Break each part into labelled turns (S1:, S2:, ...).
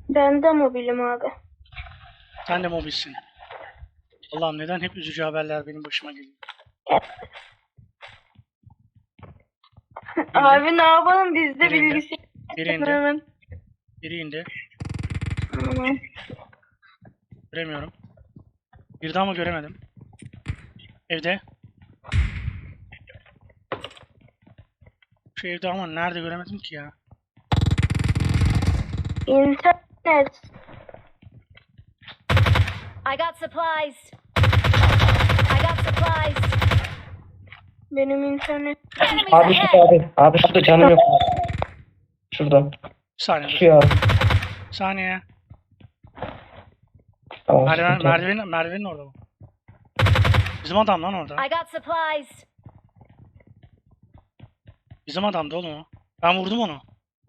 S1: Ben de mobilim abi.
S2: Sen de mobilsin. Allah'ım neden hep üzücü haberler benim başıma geliyor.
S1: Abi ne yapalım biz de
S2: Biri indi.
S1: bilgisayar.
S2: Biri indi.
S1: Hemen.
S2: Biri indi.
S1: Tamam.
S2: Göremiyorum. Bir daha mı göremedim? Evde. Şu evde ama nerede göremedim ki ya.
S1: İnternet.
S3: I got supplies. I got supplies.
S1: Benim internet.
S3: Enemies
S4: Abi
S3: ahead.
S4: şurada abi. Abi şurada canım yok. Şurada.
S2: Bir saniye dur.
S4: Şu ya.
S2: Bir saniye.
S4: Tamam,
S2: Merdiven,
S4: sıkıntı yok.
S2: merdivenin orada bu. Bizim adam lan orada.
S3: I got supplies.
S2: Bizim adamdı oğlum o. Ben vurdum onu.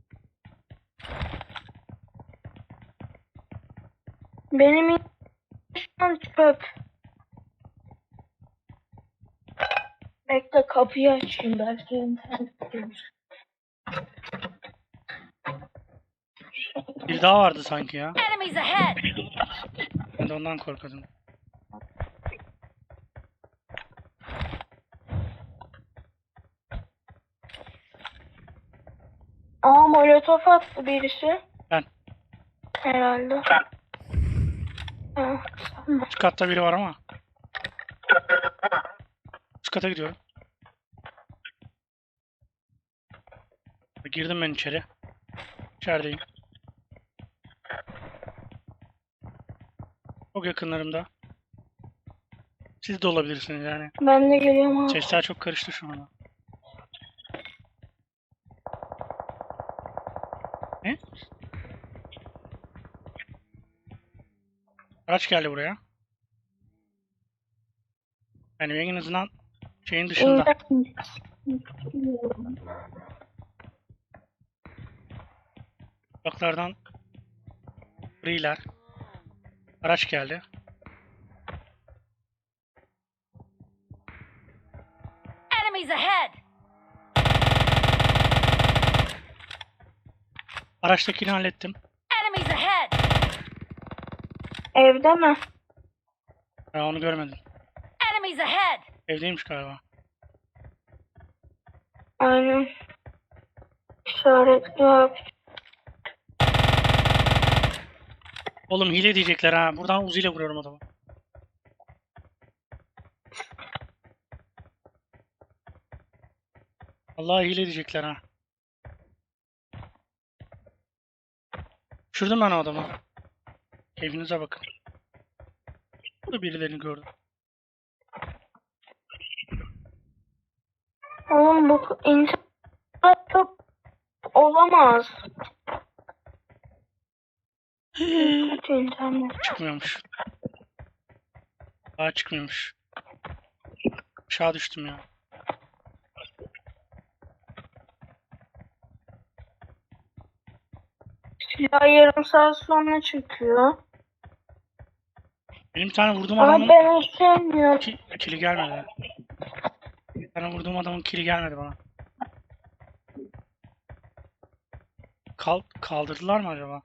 S1: Benim internet çöp. Bekle kapıyı açayım belki internet gelir.
S2: Bir daha vardı sanki ya.
S3: Enemies ahead.
S2: Ben de ondan korkuyordum.
S1: Aa molotof attı birisi.
S2: Ben.
S1: Herhalde. Ha, tamam.
S2: Üst katta biri var ama. Üst kata gidiyorum. Girdim ben içeri. İçerideyim. Çok yakınlarımda. Siz de olabilirsiniz yani.
S1: Ben de geliyorum abi.
S2: Sesler çok karıştı şu anda. Ne? Araç geldi buraya. Yani en azından şeyin dışında. Uzaklardan griler. Araç geldi.
S3: Enemies ahead.
S2: Araçtakini hallettim.
S3: Enemies ahead.
S1: Evde mi?
S2: Ben onu görmedim.
S3: Enemies ahead.
S2: Evdeymiş galiba.
S1: Aynen. İşaretli abi.
S2: Oğlum hile diyecekler ha. Buradan Uzi ile vuruyorum adamı. Vallahi hile diyecekler ha. Düşürdüm ben o adamı. Keyfinize bakın. Burada birilerini gördüm.
S1: Oğlum bu internet çok olamaz. Kötü internet.
S2: Çıkmıyormuş. Daha çıkmıyormuş. Aşağı düştüm ya.
S1: Silah yarım saat sonra çıkıyor.
S2: Benim bir tane vurduğum
S1: Ama
S2: adamın
S1: ben onu sevmiyorum.
S2: kili gelmedi. Bir tane vurduğum adamın kili gelmedi bana. Kaldırdılar mı acaba?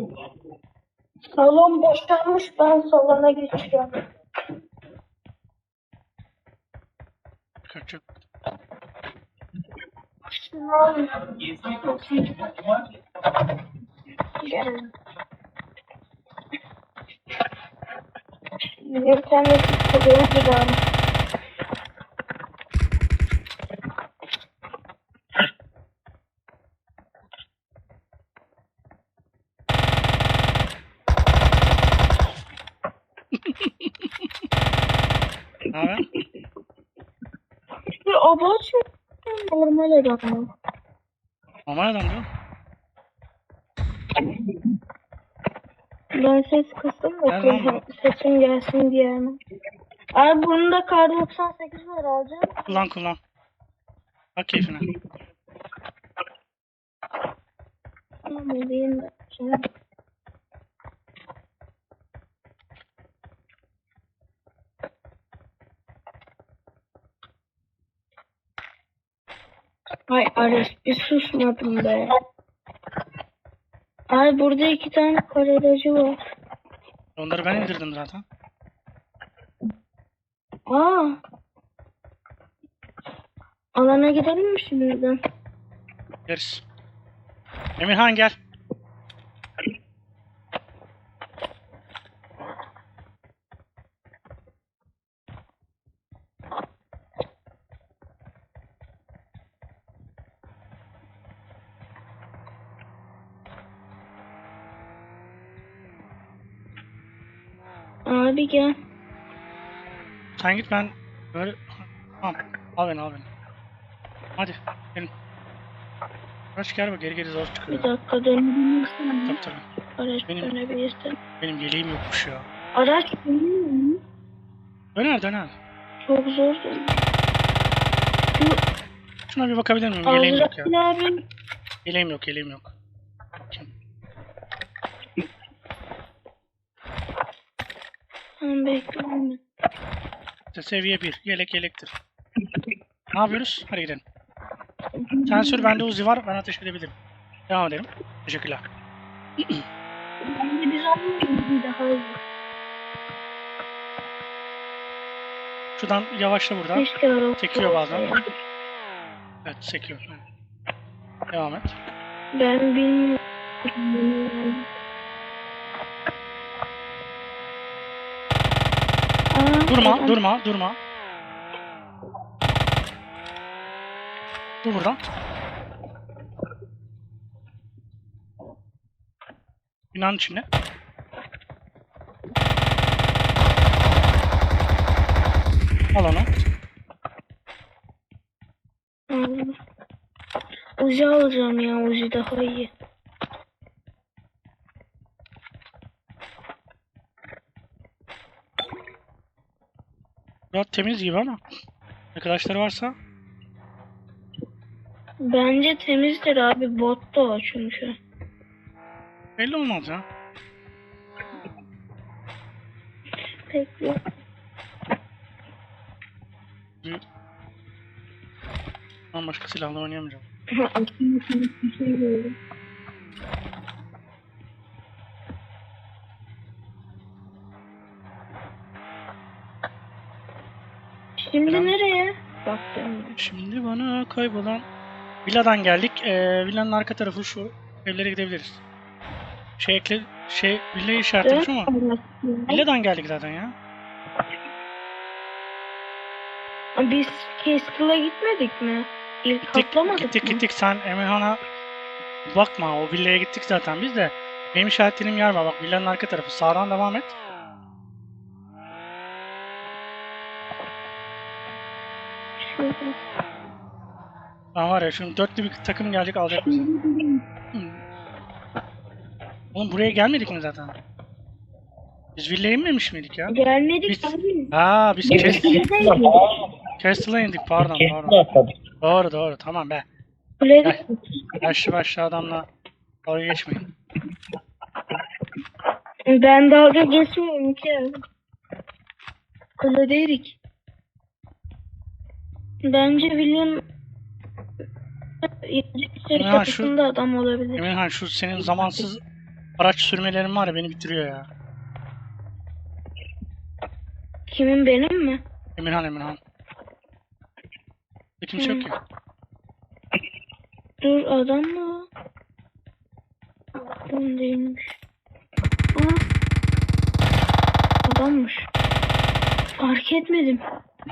S1: Salon boşalmış, ben salona geçiyorum.
S2: Kaçacak.
S1: Şunu al. Gel. İnternet istiyor bir daha.
S2: Ne haber?
S1: Bir abaç mı? Normal adam mı?
S2: Normal adam değil mi?
S1: Ben ses kıstım da
S2: Nereden?
S1: sesim gelsin diye mi? Abi bunun da kar 98 var alacağım.
S2: Kullan. Bak keyfine.
S1: Tamam edeyim de. Şimdi. Ay Arif bir susmadım be. Ay burada 2 tane kar aracı var.
S2: Onları ben indirdim zaten.
S1: Aa. Alana gidelim mi şimdiden?
S2: Gideriz. Emirhan gel.
S1: Abi gel.
S2: Sen git ben böyle... Tamam. Al beni al beni. Hadi. Gelin. Kaç gel bak geri zor
S1: Bir
S2: çıkıyor.
S1: dakika dönebilirsin.
S2: Tabii tabii.
S1: Araç
S2: Benim-
S1: dönebilirsin.
S2: Benim yeleğim yokmuş ya.
S1: Araç dönüyor mu?
S2: Döner döner.
S1: Çok zor dönüyor.
S2: Şuna bir bakabilir miyim? Yeleğim yok ya.
S1: Azrail abi.
S2: Yeleğim yok yeleğim yok.
S1: Tamam bekle.
S2: İşte seviye 1. Yelek yelektir. Ne yapıyoruz? Hadi gidelim. Sen sür bende Uzi var. Ben ateş edebilirim. Devam edelim. Teşekkürler.
S1: Bence biz olmayalım bir daha iyi.
S2: Şuradan yavaşla burada.
S1: Keşke araba
S2: Sekiyor bazen.
S1: olsaydı.
S2: Evet sekiyor. Devam et.
S1: Ben bilmiyorum. Aa,
S2: Durma
S1: adam-
S2: durma durma. Dur buradan. Binanın içinde. Al onu.
S1: Aldım. Uzi alacağım ya. Uzi daha iyi.
S2: Biraz temiz gibi ama. Arkadaşları varsa
S1: Bence temizdir abi. Bot da o çünkü.
S2: belli olmaz ya.
S1: Bekle.
S2: Ben başka silahla oynayamayacağım.
S1: Bir şey gördüm. Şimdi
S2: Selam.
S1: nereye? Baktım.
S2: Şimdi bana kaybolan villadan geldik. Villanın arka tarafı şu evlere gidebiliriz. Villayı işaretlemiş ama villadan geldik zaten ya.
S1: Biz Castle'a gitmedik mi? İlk atlamadık mı?
S2: Gittik. Sen Emirhan'a bakma. O villaya gittik zaten biz de. Benim işaretlediğim yer var. Bak villanın arka tarafı. Sağdan devam et.
S1: Şurada.
S2: Lan var ya şimdi dörtlü bir takım gelecek alacak bizi. Oğlum buraya gelmedik mi zaten? Biz villaya inmemiş miydik ya?
S1: Gelmedik
S2: Biz-
S1: abi.
S2: Biz Castle'a indik pardon.
S4: Kesin atladık.
S2: Doğru tamam be.
S1: Kuleye
S2: Gel. Yaşlı başlı adamla dalga geçmeyin.
S1: Ben dalga geçmiyorum ki. Kuledeydik. Bence William
S2: Ya şu-
S1: kapısında adam olabilir.
S2: Emirhan şu senin zamansız araç sürmelerin var ya beni bitiriyor ya.
S1: Kimin benim mi?
S2: Emirhan. Kimse yok ki.
S1: Dur adam mı? Adam değilmiş. Aa, adammış. Fark etmedim.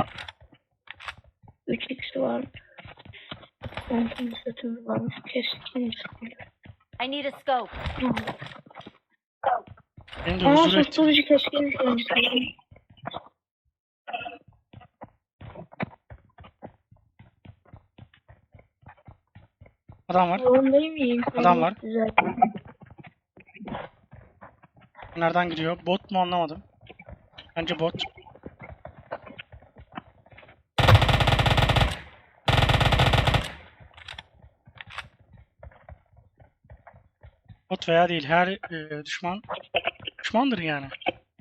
S1: 3x var. Kompansatör varmış. Keskin sıkıntı.
S3: I need a scope.
S2: Beni de
S1: Aa
S2: huzur etti.
S1: susturucu keskin sıkıntı.
S2: Adam var.
S1: Yolundayım iyiyim.
S2: Adam var.
S1: Güzel.
S2: Nereden gidiyor? Bot mu anlamadım. Bence bot. Bot veya değil. Her düşmandır yani.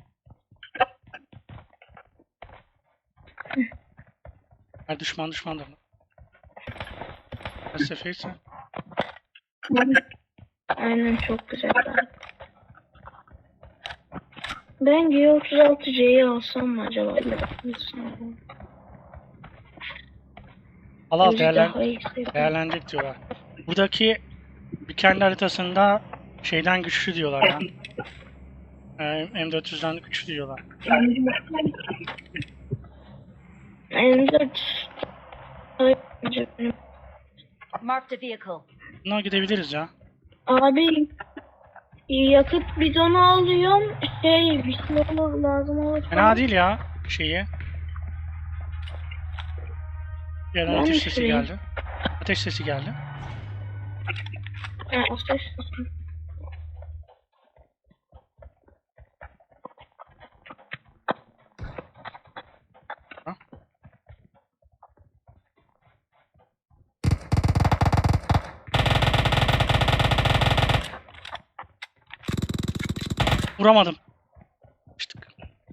S2: Her düşmandır. Felsefeyse.
S1: Aynen çok güzel abi. Ben G36C'yi alsam mı acaba?
S2: Al al
S1: Gözü daha iyi hissediyorum.
S2: değerlenecek diyorlar. Buradaki bir kendi haritasında şeyden güçlü diyorlar ya. M400'den güçlü diyorlar.
S1: M4
S3: Marked a vehicle.
S2: Buna gidebiliriz ya.
S1: Abi yakıt bidonu alıyorum. Bir şey olur lazım olur.
S2: Fena değil ya şeyi. Bir yerden
S1: Ben
S2: ateş
S1: de
S2: sesi
S1: süreyim.
S2: geldi. Ateş sesi geldi.
S1: Ha, o ses.
S2: Ha? Vuramadım. Açtık.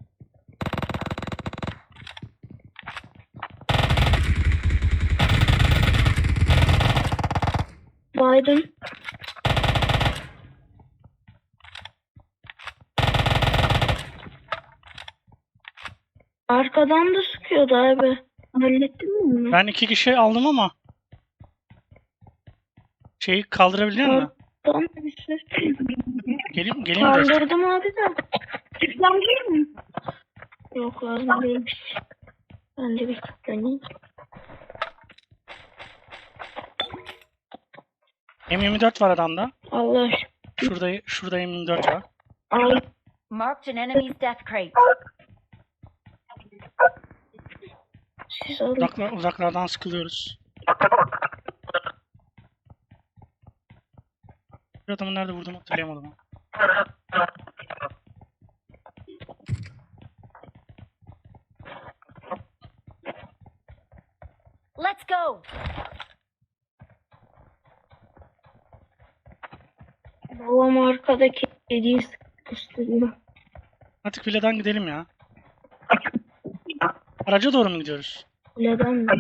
S1: Biden. Arkadan da sıkıyordu abi. Hallettin mi bunu?
S2: Ben 2 kişi aldım ama şeyi kaldırabiliyor musun?
S1: Arkadan da bir ses.
S2: Geleyim mi destek?
S1: Kaldırdım abi de. Tıklandı mı? Yok lazım değilmiş. Ben de bir tıklanayım.
S2: M24 var adamda.
S1: Allah aşkına.
S2: Şurada M24 var.
S1: Ay,
S3: Marked an enemy's death crate.
S1: siz alın.
S2: Uzaklardan sıkılıyoruz. Bir adamı nerede vurdum hatırlayamadım.
S3: Let's go.
S1: Babam arkadaki kediyi sıkıştırıyor.
S2: Artık villadan gidelim ya. Araca doğru mu gidiyoruz?
S1: Neden mi?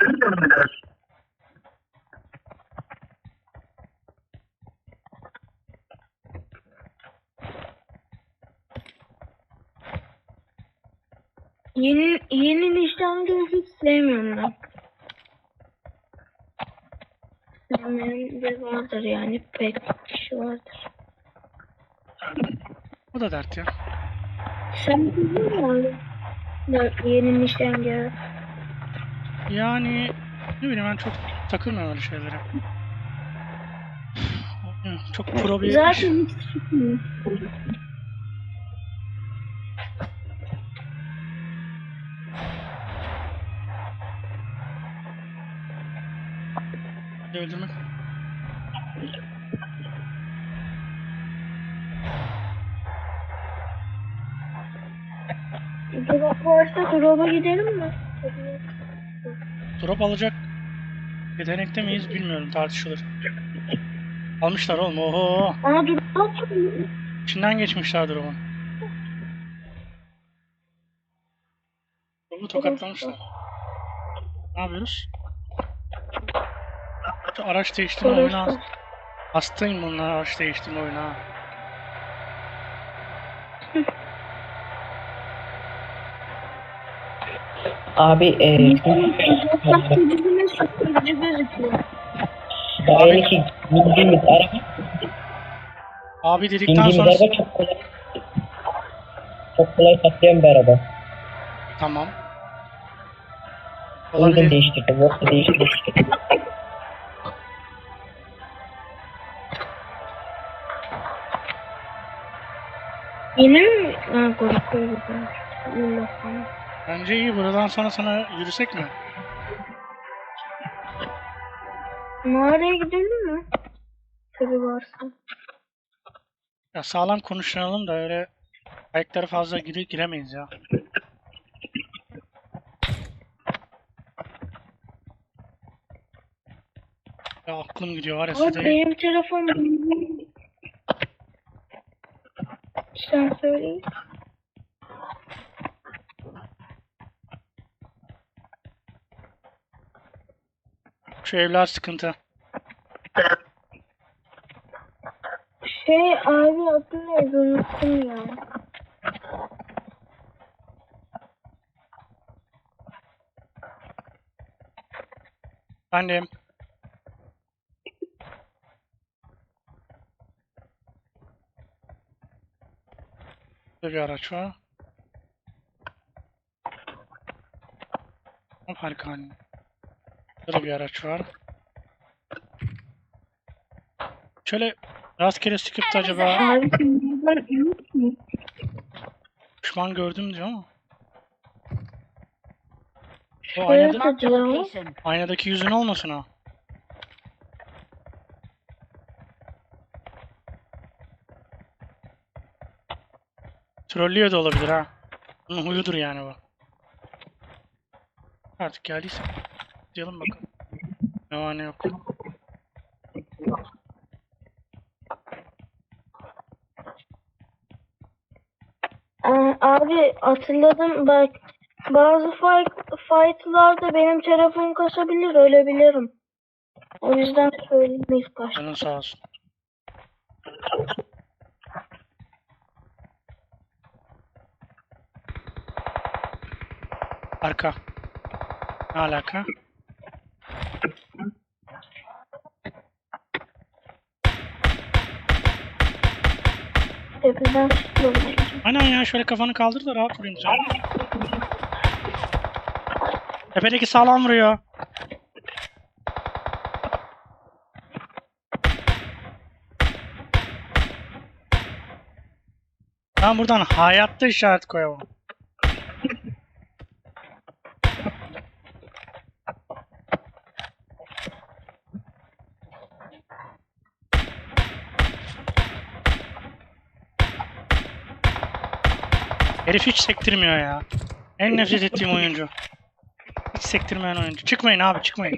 S1: Yeni nişangahı hiç sevmiyorum ben. Sevmeyen de vardır yani pek kişi vardır.
S2: O da dert ya.
S1: Sen biliyor musun abi? Yeni nişangahı.
S2: Yani ne bileyim ben çok takılmıyorum öyle şeylere. Çok pro bir iş.
S1: Zaten hiç çıkmıyor.
S2: Öldürmek.
S1: Drop varsa drop'a gidelim mi?
S2: Drop alacak yetenekte miyiz bilmiyorum, tartışılır. Almışlar oğlum, oho.
S1: Aa drop
S2: İçinden geçmişler drop'un. Drop'u tokatlamışlar. Ne yapıyoruz? Şu araç değiştirme oyunu hastayım bunlar, araç değiştirme oyunu ha.
S4: Abi
S1: Bizime sıkıcı gözüküyor.
S4: daha yeni ki bindiğimiz
S2: Abi dedikten sonra
S4: araba çok kolay patlayan bir araba.
S2: tamam.
S4: O yüzden
S2: Olabilir.
S4: değiştirdim. Yoksa değiştirdim.
S1: Yine mi? Ha korkuyorum. Allah Allah.
S2: Bence iyi, buradan sonra sana yürüsek mi?
S1: Mağaraya gidelim mi? Tabii varsa.
S2: Ya sağlam konuşalım da öyle ayakları fazla giremeyiz ya. Ya aklım gidiyor var ya
S1: Abi
S2: size.
S1: benim telefon sen söyleyin.
S2: Şu evler sıkıntı.
S1: Abi adı neydi unuttum ya.
S2: Efendim. Burada bir araç var. Harika. Burada bir araç var. Şöyle rastgele sıkıp da acaba
S1: Abi sen buradan emin misin?
S2: düşman gördüm diyor ama. O
S1: Şöyle
S2: aynada,
S3: Marked a
S1: diyor.
S3: location.
S2: aynadaki yüzün olmasın ha. Trollüyor da olabilir ha. Bunun huyudur yani bu. Artık geldiyse. Diyelim bakalım. Ne var ne yok.
S1: Abi hatırladım bak. Bazı fight'larda benim telefon kasabilir, ölebilirim. O yüzden söyleyeyim ilk başta.
S2: Canın sağ olsun. Arka. Ne alaka?
S1: Tepeden tutuyorum.
S2: Aynen ya, şöyle kafanı kaldır da rahat vurayım sen. Tepedeki sağlam vuruyor. Ben buradan hayatta işaret koyamam. Herif hiç sektirmiyor ya. En nefret ettiğim oyuncu. Hiç sektirmeyen oyuncu. Çıkmayın abi, çıkmayın.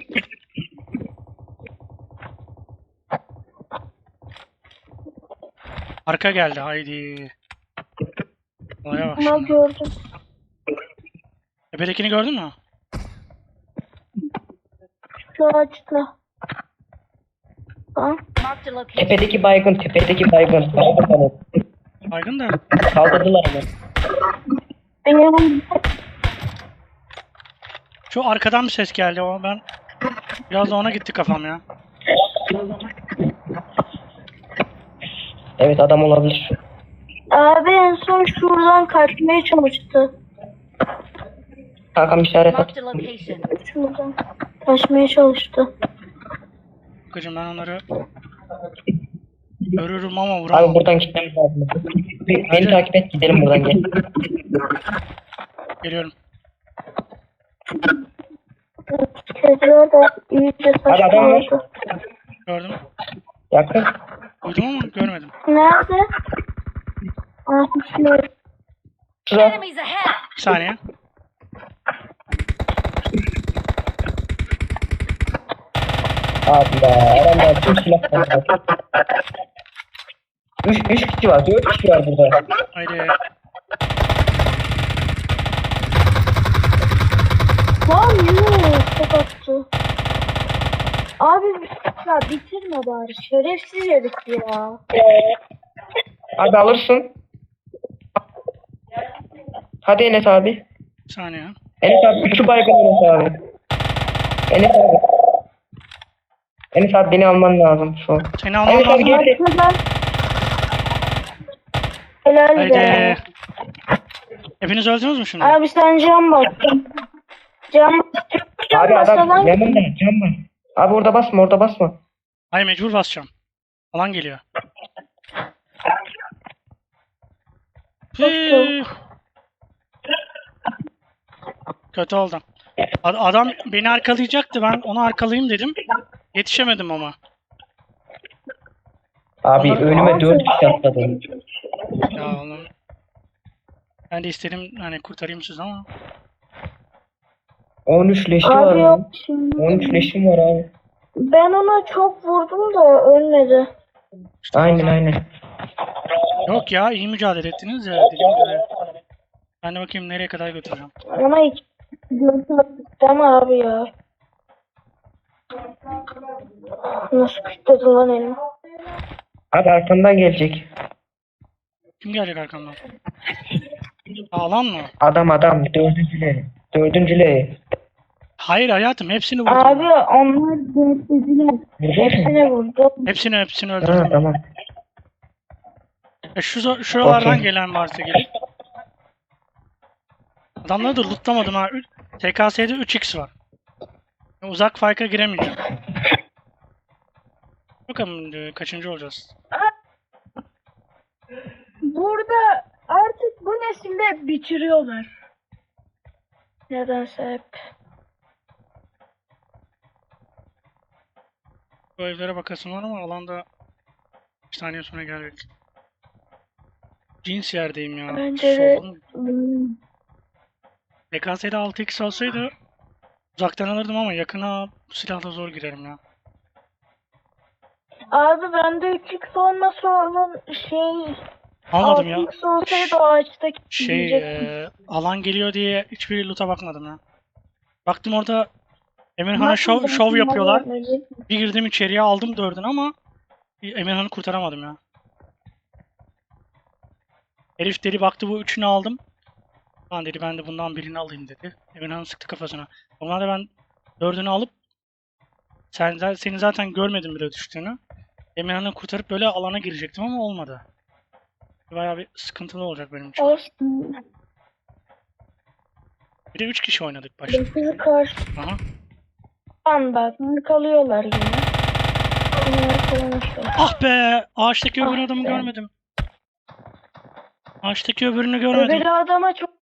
S2: Arka geldi, haydi. Olaya bak
S1: Ama
S2: şimdi.
S1: gördüm.
S2: Tepedekini gördün mü?
S1: Şu ağaçta. Ha?
S3: Marked a location.
S4: Tepedeki baygın, tepedeki baygın. Baygın bana.
S2: Baygın da.
S4: Kaldırdılar onu.
S1: Benim
S2: Şu arkadan bir ses geldi ama ben biraz da ona gitti kafam ya.
S4: Evet, adam olabilir.
S1: abi en son şuradan kaçmaya çalıştı.
S4: Kankam işaret at.
S3: Marked a location.
S1: Şuradan kaçmaya çalıştı.
S2: Bakacağım, ben onları görürüm ama
S4: Abi
S2: vuramam.
S4: buradan gitmemiz lazım. Beni takip et, gidelim buradan, gel.
S2: Geliyorum.
S1: Kediler de iyice
S4: Abi adam var.
S1: saçmaladı.
S2: Gördüm.
S4: Yakın.
S2: Duydum ama görmedim.
S1: Nerede? Şurada.
S4: Şurada.
S3: Enemies ahead.
S2: Bir saniye.
S4: Abi ya, adamlar tüm silahlar var. Üç kişi var, 4 kişi var burada.
S2: Haydi.
S1: Lan yuh çok attı. Abi ya bitirme bari. Şerefsiz herif ya.
S4: Abi alırsın. Hadi Enes abi.
S2: Bir saniye.
S4: Enes abi, şu baygın Enes abi. Enes abi. Enes abi, beni alman lazım şu an.
S2: Seni almam
S4: Enes abi
S2: lazım.
S4: gel.
S1: Arkadan. Helal
S2: Haydi.
S1: be.
S2: Hepiniz öldünüz mü şimdi?
S1: Abi sen cam bak. Cam
S4: Abi adam
S1: basalan
S4: yanımda, cam var. Abi orada basma, orada basma.
S2: Hayır, mecbur basacağım. Alan geliyor. Hıh. Kötü oldu. Adam beni arkalayacaktı. Ben onu arkalayayım dedim. Yetişemedim ama.
S4: Abi önüme 4 kişi atladı.
S2: Ya oğlum. Ben de istedim hani kurtarayım sizi ama.
S4: 13 leşi var
S1: abi yok
S4: mı?
S1: şimdi.
S4: 13 leşim var abi.
S1: Ben ona çok vurdum da ölmedi.
S2: İşte
S4: Aynen
S2: oradan-
S4: aynen.
S2: Yok ya, iyi mücadele ettiniz ya, dediğim gibi. Ben de bakayım nereye kadar götüreceğim.
S1: Ama hiç görmedim abi ya. Nasıl kütledi lan elimi?
S4: Abi arkamdan gelecek.
S2: Kim gelecek arkamdan? Alan mı?
S4: Adam dördüncüleri. Dördüncüleri.
S2: Hayır hayatım hepsini vurdum.
S1: Abi onlar dörtlediler. Hepsine vurdu.
S2: Hepsini
S4: Ha,
S2: öldürdüm.
S4: tamam.
S2: Şuralardan
S4: Okey.
S2: gelen varsa gelir. Adamları da lootlamadım ha. TKS'de 3x var. Uzak fight'a giremeyeceğim. Bakalım kaçıncı olacağız.
S1: Burada artık bu nesilde bitiriyorlar. Nedense hep.
S2: Bu evlere bakasım var ama alanda 1 saniye sonra gelecek. Cins yerdeyim ya.
S1: Bence de
S2: Solun. TKS'de 6x olsaydı uzaktan alırdım ama yakına bu silahla zor girerim ya.
S1: abi bende 3x olması onun şey
S2: Almadım ya.
S1: 6x olsaydı o ağaçtaki
S2: Şey alan geliyor diye hiçbir loot'a bakmadım ya. Baktım orada Emirhan'a şov yapıyorlar. Bir girdim içeriye aldım 4'ünü ama Emirhan'ı kurtaramadım ya. Herif dedi baktı bu 3'ünü aldım. Lan dedi ben de bundan birini alayım dedi. Emirhan'ı sıktı kafasına. Normalde ben 4'ünü alıp seni zaten görmedim bile düştüğünü. Emirhan'ı kurtarıp böyle alana girecektim ama olmadı. Bayağı bir sıkıntılı olacak benim için.
S1: olsun.
S2: Bir de 3 kişi oynadık başta.
S1: Bizi karşı
S2: Aha.
S1: bak kalıyorlar yine. Bunlar kalmışlar.
S2: Ah be! Ağaçtaki öbür adamı görmedim. Ağaçtaki öbürünü görmedim.
S1: Öbür adama çok